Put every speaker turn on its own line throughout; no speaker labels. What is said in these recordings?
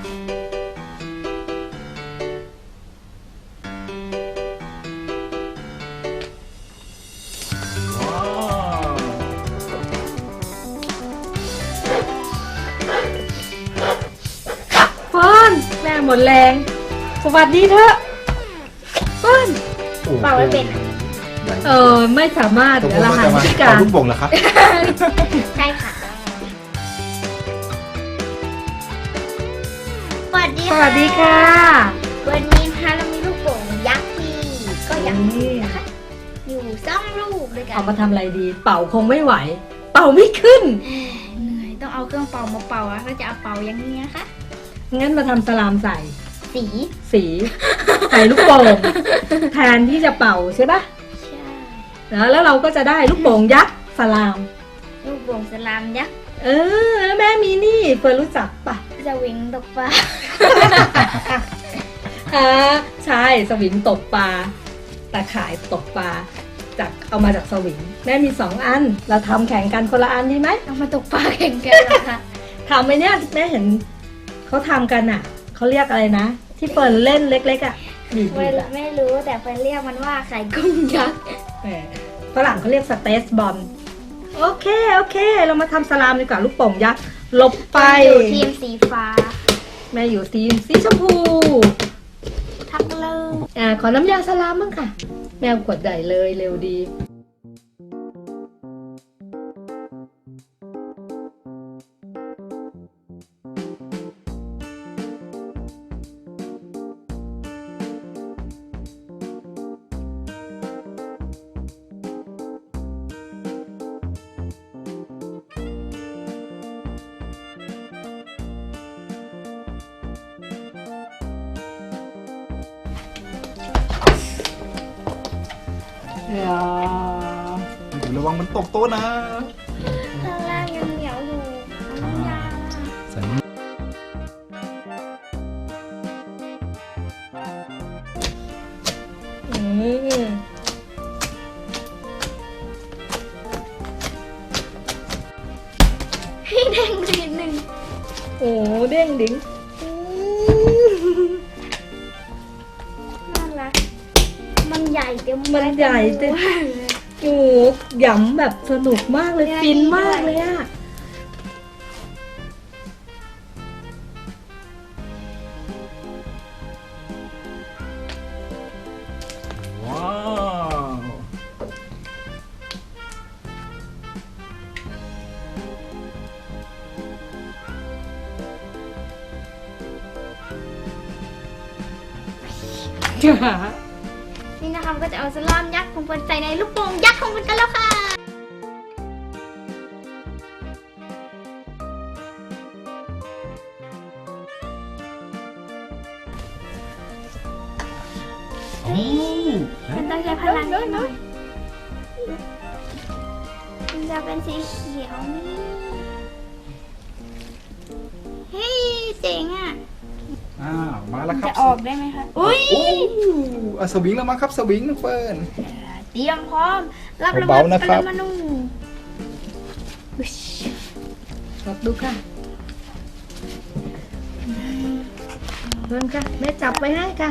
เฟิร์นแม่หมดแรงสวัสดีเถอะเฟิร์น
เปล่าไม่เป็น
ไม่สามารถเดี๋ยวเราหาวิธีการ
ลูกโป่งเหรอครับ
ใช่ค่ะสวัสดี
สวัสดีค่ะ
วันนี้นะคะเรามีลูกโป่งยักษ์ที่ก็ยักษ์นะคะอยู่2 ลูกด้วยกัน
เอามาทำอะไรดี เป่าคงไม่ไหว เป่าไม่ขึ้น
เหนื่อยต้องเอาเครื่องเป่ามาเป่าอะก็จะเอาเป่าอย่างนี้นะคะ
งั้นมาทำสลามใส่
สี
สีใส่ลูกโป่งแทนที่จะเป่าใช่ปะ
ใช่
แล้วเราก็จะได้ลูกโป่งยักษ์สลาม
ลูกโป่งสลามยักษ์
แล้วแม่มีนี่เฟิร์นรู้จักปะ
สวิงตกปลา
ใช่สวิงตกปลาตะข่ายตกปลาจากเอามาจากสวิงแม่มี2 อันเราทำแข่งกันคนละอันดีไหม
เอามาตกปลาแข่งกันเหรอคะ
ทำไหมเนี่ยแม่เห็นเขาทำกันอ่ะเขาเรียกอะไรนะที่เฟิร์นเล่นเล็กๆอ่ะบีบ
เฟิร์นไม่รู้แต่เฟิร์นเรียกมันว่าไข่กุ้งยักษ์
ฝรั่งเขาเรียกสเตสบอลโอเคเรามาทำสลามดีกว่าลูกโป่งยักษ์หลบไป
อยู่ทีมสีฟ้า
แม่อยู่ทีมสีชมพู
ทักเลย
ขอน้ำยาสลามบ้างค่ะแมวกดใหญ่เลยเร็วดี
ระวังมันตกโต๊ะนะ
ข้างล่างยังเหนียวอยู่น้ำยา
ใส่นี่
ให้แดงทีหนึ่ง
โอ้เด้งดิ้ง
น่ารักมันใหญ่เต็ม
มันใหญ่เต็มโอ้หยำแบบสนุกมากเลยฟินมากเลยอะ
ว้าว
นี่นะคะก็จะเอาสลามยักษ์ของเฟิร์นใส่ในลูกโป่งยักษ์ของเฟิร์นกันแล้วค่ะมันต้องใช้พลังนิดหน่อยมันจะเป็นสีเขียวนี่เฮ้ยเจ๋งอ่ะ
มาแล้วครับ
จะออกได้ไหมคะอุ้ย
สวิงแล้วมั้งครับสวิงน้องเฟิร์น
เตรียมพร้อมรับระ
เบา
เบิด
ๆนะครับ
ปรมาณู
ลองดูค่ะเพื่อนค่ะแม่จับไว้ให้ค่ะ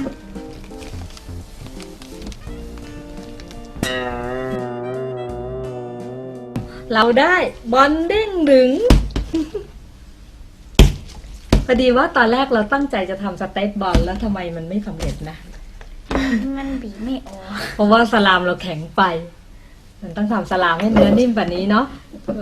เราได้บอลเด้งดึง พอดีว่าตอนแรกเราตั้งใจจะทำสเตตบอลแล้วทำไมมันไม่สำเร็จนะ
มันบีบไม่ออก
เพราะว่าสลามเราแข็งไป มันต้องทำสลามให้เนื้อนิ่มแบบนี้เนาะ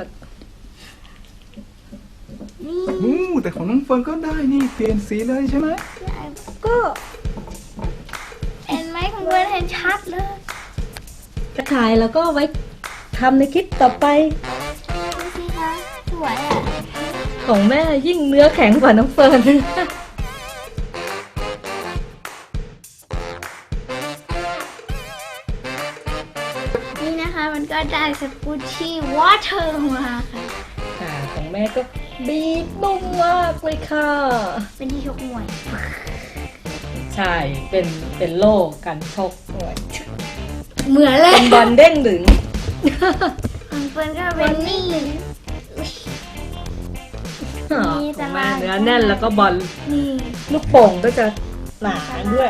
แต่ของน้องเฟิร์นก็ได้นี่เปลี่ยนสีเลยใช่ไหม
ก็
เห็นไหมของเฟิร์นเห็นชัดเลย
จะขายแล้วก็ไว้ทำในคลิปต่อไป
ดูสิคะสวยอ่ะ
ของแม่ยิ่งเนื้อแข็งกว่าน้องเฟิร์น
นี่นะคะมันก็ได้สกูชี่วอเตอร์มาค่ะ
ของแม่ก็บีบนุ่มมากเลยค่ะ
เป็นที่ชกมวย
ใช่ เป็นโล่กันชกด้วย
เหมือนเล
เป็
ย
นบอลเด้งดึง
ของเฟิร์นก็เป็นนี่
ของแม่เนื้อแน่นแล้วก็บอล
นี่
ลูกโป่งก็จะหนาด้วย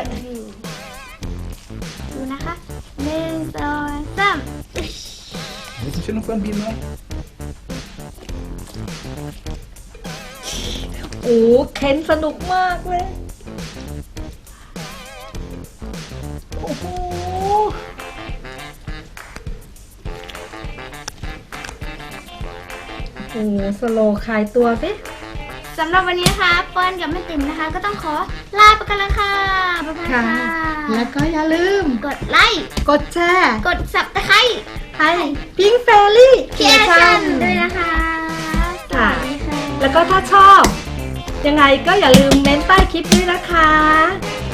ดูนะคะ1 2 3
เดี๋ยวจะช่วยน้องเฟิร์นบีบหน่อย
โอ้เค้นสนุกมากเลย โอ้โห โอ้โหสโลว์คลายตัวสิ
สำหรับวันนี้นะคะเปิ้ลกับแม่ติ๋มนะคะ ก็ต้องขอลาไปกันแล้วค่ะบ๊ายบายค่ะ
แล้วก็อย่าลืม
กดไลค์
กดแชร์
กด Subscribe
ให้พิง Fairy
เคียร์ชันด้วยนะคะสวัสดีค่ะ
แล้วก็ถ้าชอบ ยังไงก็อย่าลืมเม้นใต้คลิปด้วยนะคะ